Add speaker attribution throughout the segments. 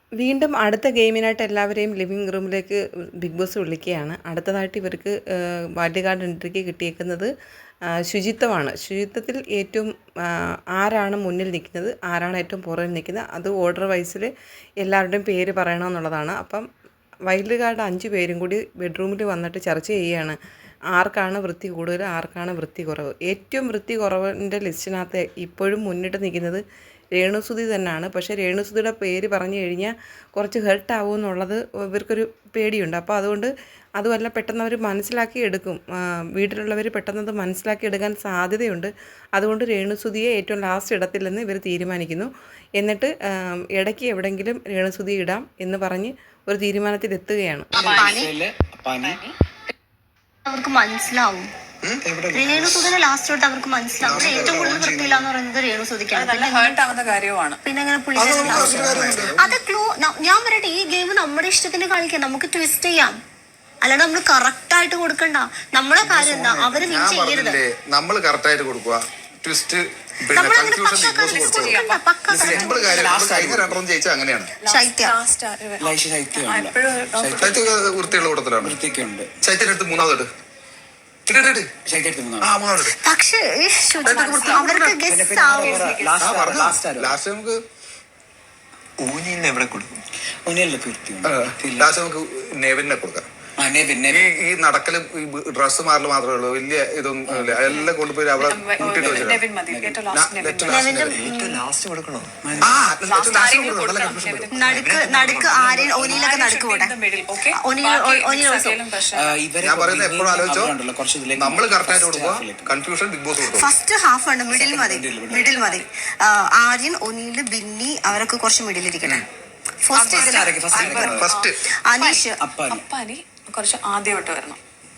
Speaker 1: വീണ്ടും അടുത്ത ഗെയിമിനായിട്ട് എല്ലാവരെയും ലിവിങ് റൂമിലേക്ക് ബിഗ് ബോസ് വിളിക്കുകയാണ്. അടുത്തതായിട്ട് ഇവർക്ക് വൈൽഡ് കാർഡ് എൻട്രിക്ക് കിട്ടിയേക്കുന്നത് ശുചിത്വമാണ്. ശുചിത്വത്തിൽ ഏറ്റവും ആരാണ് മുന്നിൽ നിൽക്കുന്നത്, ആരാണ് ഏറ്റവും പുറകിൽ നിൽക്കുന്നത്, അത് ഓർഡർ വൈസിൽ എല്ലാവരുടെയും പേര് പറയണമെന്നുള്ളതാണ്. അപ്പം വൈൽഡ് കാർഡ് 5 പേരും കൂടി ബെഡ്റൂമിൽ വന്നിട്ട് ചർച്ച ചെയ്യുകയാണ്. ആർക്കാണ് വൃത്തി കൂടുതൽ, ആർക്കാണ് വൃത്തി കുറവ്. ഏറ്റവും വൃത്തി കുറവിൻ്റെ ലിസ്റ്റിനകത്ത് ഇപ്പോഴും മുന്നിട്ട് നിൽക്കുന്നത് രേണുസുതി തന്നെയാണ്. പക്ഷേ രേണുസുതിയുടെ പേര് പറഞ്ഞു കഴിഞ്ഞാൽ കുറച്ച് ഹെർട്ട് ആവുമെന്നുള്ളത് ഇവർക്കൊരു പേടിയുണ്ട്. അപ്പോൾ അതുമല്ല പെട്ടെന്ന് അവർ മനസ്സിലാക്കി എടുക്കും, വീട്ടിലുള്ളവർ പെട്ടെന്ന് അത് മനസ്സിലാക്കി എടുക്കാൻ സാധ്യതയുണ്ട്. അതുകൊണ്ട് രേണുസുതിയെ ഏറ്റവും ലാസ്റ്റ് ഇടത്തില്ലെന്ന് ഇവർ തീരുമാനിക്കുന്നു. എന്നിട്ട് ഇടയ്ക്ക് എവിടെയെങ്കിലും രേണുസുതി ഇടാം എന്ന് പറഞ്ഞ് ഒരു തീരുമാനത്തിലെത്തുകയാണ്.
Speaker 2: അവർക്ക് മനസ്സിലാവും രേണുസുതിനെ ലാസ്റ്റ് തൊട്ട് അവർക്ക് മനസ്സിലാവും. ഏറ്റവും കൂടുതൽ വൃത്തിയില്ല എന്ന് പറയുന്നത് രേണുസുതിക്കാണ്. പിന്നെ അങ്ങനെ പുള്ളി അത് ക്ലൂ. ഞാൻ പറയട്ടെ, ഈ ഗെയിം നമ്മുടെ ഇഷ്ടത്തിന് കളിക്കാം, നമുക്ക് ട്വിസ്റ്റ് ചെയ്യാം. അല്ലാണ്ട് നമ്മൾ കറക്റ്റ് ആയിട്ട് കൊടുക്കണ്ട. നമ്മളെ കാര്യം എന്താ, അവര് വിൻ ചെയ്യരുത്.
Speaker 3: നമ്മൾ കറക്റ്റ് ആയിട്ട് കൊടുക്കുക. ട്വിസ്റ്റ് അങ്ങനെയാണ്. വൃത്തിയുള്ള കൂട്ടത്തിലാണ്. ശൈത്യടുത്ത് മൂന്നാമത്
Speaker 2: പക്ഷേ
Speaker 3: ലാസ്റ്റ് നമുക്ക് ഊനിന്ന് എവിടെ കൊടുക്കും? ലാസ്റ്റ് നമുക്ക് നെവിനെ കൊടുക്കാം. ഈ നടക്കലും ഈ ഡ്രസ് മാറല് മാത്രമേ ഉള്ളൂ, വലിയ ഇതൊന്നും എല്ലാം കൊണ്ടുപോയി അവിടെ കൂട്ടിട്ട് ഞാൻ പറയുന്നത് എപ്പോഴും ആലോചിച്ചോ, നമ്മള് കറക്റ്റായിട്ട് കൊടുക്കുക. കൺഫ്യൂഷൻ ബിഗ് ബോസ് കൊടുക്കും.
Speaker 2: ഫസ്റ്റ് ഹാഫ് ഉണ്ട്, മിഡിൽ മതി. ആര്യൻ, ഒനീല്, ബിന്നി അവരൊക്കെ കുറച്ച് മിഡിലിരിക്കണം.
Speaker 3: ഫസ്റ്റ്
Speaker 2: അനീഷ്,
Speaker 4: കുറച്ച് ആദ്യമായിട്ട് വരണം.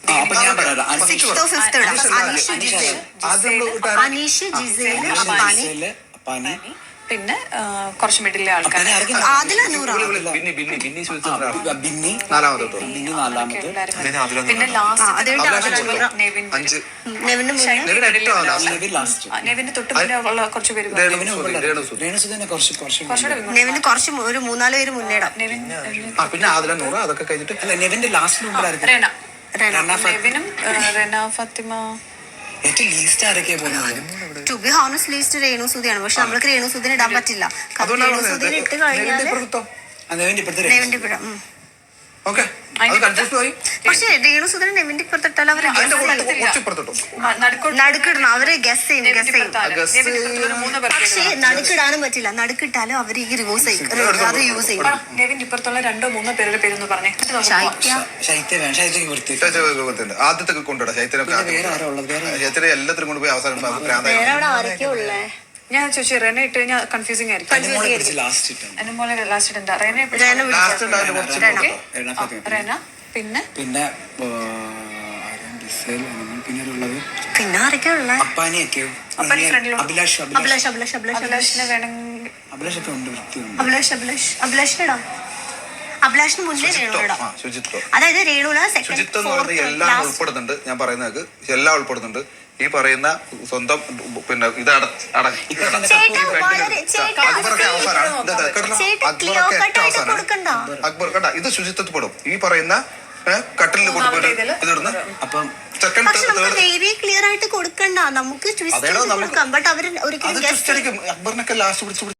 Speaker 2: അനീഷ്, ജിസേല്, അപ്പാനി,
Speaker 4: പിന്നെ കുറച്ച് മിഡിലെ ആൾക്കാർ. പിന്നെ നെവിന് തൊട്ട് മുന്നേ ഉള്ള കുറച്ച് പേര്,
Speaker 2: നെവിന് കുറച്ച് ഒരു 3-4 പേര് മുന്നേടാം.
Speaker 3: പിന്നെ അതൊക്കെ കഴിഞ്ഞിട്ട്
Speaker 4: നെവിനും Rena, Fathima.
Speaker 2: To be honest least രേണുസുതിയാണ്. പക്ഷെ നമ്മൾക്ക് രേണുസുതിനെ ഇടാൻ പറ്റില്ല. രേണുസുതിനെ ഇട്ട് കഴിഞ്ഞാൽ പക്ഷെ രേണുസുതിനെ നെവിന്റെ ഇപ്പുറത്തിട്ടാൽ അവര് നടുക്കിടണം. അവര് ഗസ് ചെയ്യും. പക്ഷെ നടുക്കിടാനും പറ്റില്ല. നടുക്കിട്ടാലും അവര് ഈ റിവേഴ്സ് ചെയ്യും, അത് യൂസ് ചെയ്യും.
Speaker 4: നെവിന്റെ ഇപ്പുറത്തുള്ള 2-3 പേരുടെ പേരൊന്ന് പറഞ്ഞേ.
Speaker 3: ആദ്യത്തെ കൊണ്ടുവിടാം. ശൈത്യ എല്ലാത്തിനും കൊണ്ടുപോയി അവസാനം
Speaker 2: വേറെ അവിടെ ആരൊക്കെയാ ഉള്ളേ?
Speaker 4: ഞാൻ ചോദിച്ചു റെന ഇട്ട് കഴിഞ്ഞാൽ കൺഫ്യൂസിംഗ് ആയിരിക്കും. എന്നെ പോലെ ലാസ്റ്റ് ഇടണ്ട. റെന പിന്നെ
Speaker 2: പിന്നെ ആരൊക്കെയാ ഉള്ളേ? അഭിലാഷിനിടാം. അഭിലാഷിന് മുന്നേ രേണുവിടാം. അതായത് രേണുവിന്
Speaker 3: ശുചിത്വം എന്ന് പറയുന്നത് എല്ലാം ഉൾപ്പെടുന്നുണ്ട്. ഞാൻ പറയുന്നത് എല്ലാം ഉൾപ്പെടുന്നുണ്ട്. ഈ പറയുന്ന സ്വന്തം പിന്നെ ഇത് അക്ബർ കണ്ട ഇത് ശുചിത്വത്തിൽ പെടും. ഈ പറയുന്ന കട്ടിലിൽ കൊണ്ടുപോയിട്ട് ഇതിടുന്ന അപ്പം
Speaker 2: ക്ലിയർ ആയിട്ട് കൊടുക്കണ്ട. നമുക്ക്
Speaker 3: അക്ബറിനൊക്കെ ലാസ്റ്റ് പിടിച്ചു